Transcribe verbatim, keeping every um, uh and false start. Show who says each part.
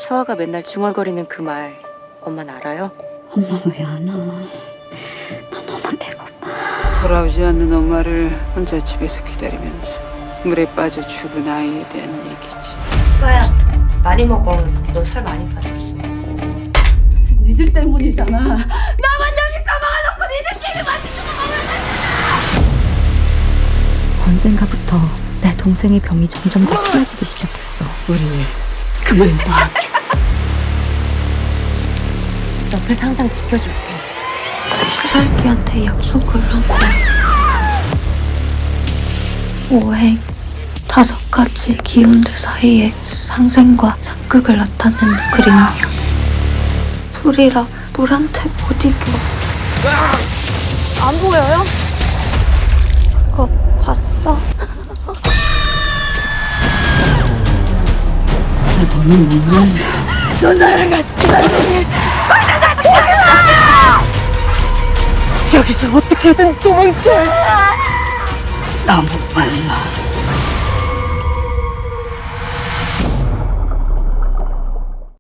Speaker 1: 서아가 맨날 중얼거리는 그 말 엄마는 알아요?
Speaker 2: 엄마 왜 안 와? 나 너무 배고파.
Speaker 3: 돌아오지 않는 엄마를 혼자 집에서 기다리면서 물에 빠져 죽은 아이에 대한 얘기지.
Speaker 1: 서아야, 많이 먹어. 너 살 많이 빠졌어.
Speaker 2: 니들 때문이잖아. 언젠가부터 내 동생의 병이 점점 더 심해지기 시작했어.
Speaker 3: 우리 그만 놔줘.
Speaker 1: 옆에서 항상 지켜줄게.
Speaker 2: 살기한테 약속을 한 거야. 오행, 다섯 가지 기운들 사이에 상생과 상극을 나타내는 그림이야. 불이라 물한테 못 이겨. 안 보여요? 그거 봤어?
Speaker 3: 너는 뭐냐?
Speaker 2: 너 나랑 같이 살래.
Speaker 3: 여기서 어떻게든 도망쳐. 너무 빨라.